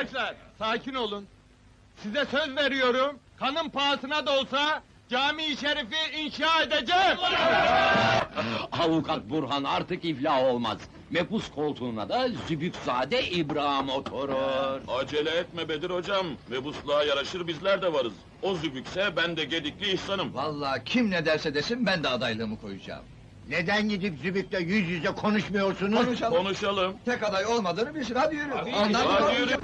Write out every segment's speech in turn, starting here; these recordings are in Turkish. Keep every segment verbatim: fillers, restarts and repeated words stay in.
Arkadaşlar, sakin olun. Size söz veriyorum, kanın pahasına da olsa cami-i şerifi inşa edeceğim. Avukat Burhan artık iflah olmaz. Mepus koltuğuna da Zübükzade İbrahim oturur. Acele etme Bedir hocam, mebusluğa yaraşır bizler de varız. O zübükse ben de Gedikli İhsan'ım. Vallahi kim ne derse desin ben de adaylığımı koyacağım. Neden gidip Zübük'le yüz yüze konuşmuyorsunuz? Konuşalım. Konuşalım. Tek aday olmadığını bilsin, hadi yürü. Hadi, Ondan hadi sonra- yürü.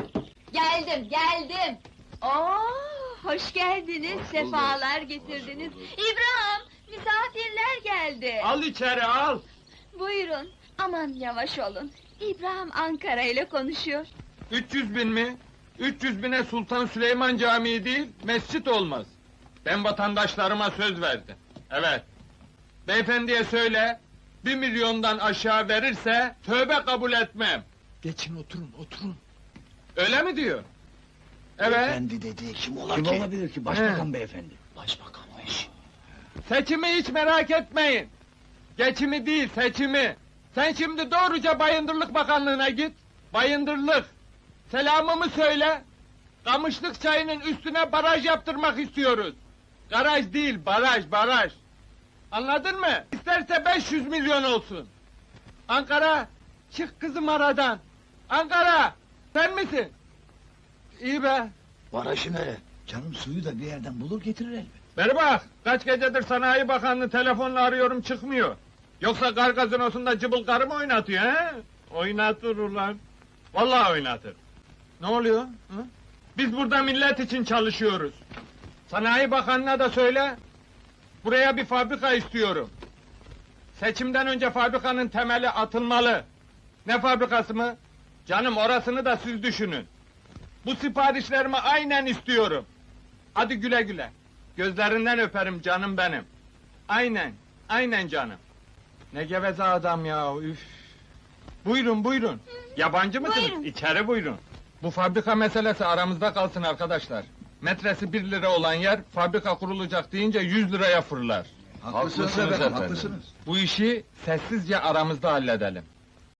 Geldim, geldim. Oo, hoş geldiniz, sefalar getirdiniz. İbrahim, misafirler geldi. Al içeri, al! Buyurun, aman yavaş olun. İbrahim Ankara ile konuşuyor. üç yüz bin mi? üç yüz bine Sultan Süleyman Camii değil, mescit olmaz. Ben vatandaşlarıma söz verdim. Evet. Beyefendiye söyle, bir milyondan aşağı verirse, tövbe kabul etmem. Geçin oturun, oturun. Öyle mi diyor? Evet. Efendi dedi, kim ola Kim ki? olabilir ki? Başbakan He. beyefendi. Başbakanmış. Seçimi hiç merak etmeyin. Geçimi değil, seçimi. Sen şimdi doğruca Bayındırlık Bakanlığı'na git. Bayındırlık. Selamımı söyle. Kamışlık çayının üstüne baraj yaptırmak istiyoruz. Garaj değil, baraj, baraj. Anladın mı? İsterse beş yüz milyon olsun. Ankara, çık kızım aradan. Ankara, sen misin? İyi be. Barajı nere? Canım suyu da bir yerden bulur getirir elbet. Beri bak, kaç gecedir Sanayi Bakanlığı telefonla arıyorum çıkmıyor. Yoksa kar gazinosunda cıbıl karı mı oynatıyor he? Oynatır ulan. Vallahi oynatır. Ne oluyor? Hı? Biz burada millet için çalışıyoruz. Sanayi Bakanlığı'na da söyle, buraya bir fabrika istiyorum. Seçimden önce fabrikanın temeli atılmalı. Ne fabrikası mı? Canım orasını da siz düşünün. Bu siparişlerimi aynen istiyorum. Hadi güle güle. Gözlerinden öperim canım benim. Aynen, aynen canım. Ne geveze adam ya, üf. Buyurun, buyurun. Yabancı mısınız? Buyurun. İçeri buyurun. Bu fabrika meselesi aramızda kalsın arkadaşlar. Metresi bir lira olan yer, fabrika kurulacak deyince yüz liraya fırlar. Haklısınız efendim, haklısınız. Bu işi sessizce aramızda halledelim.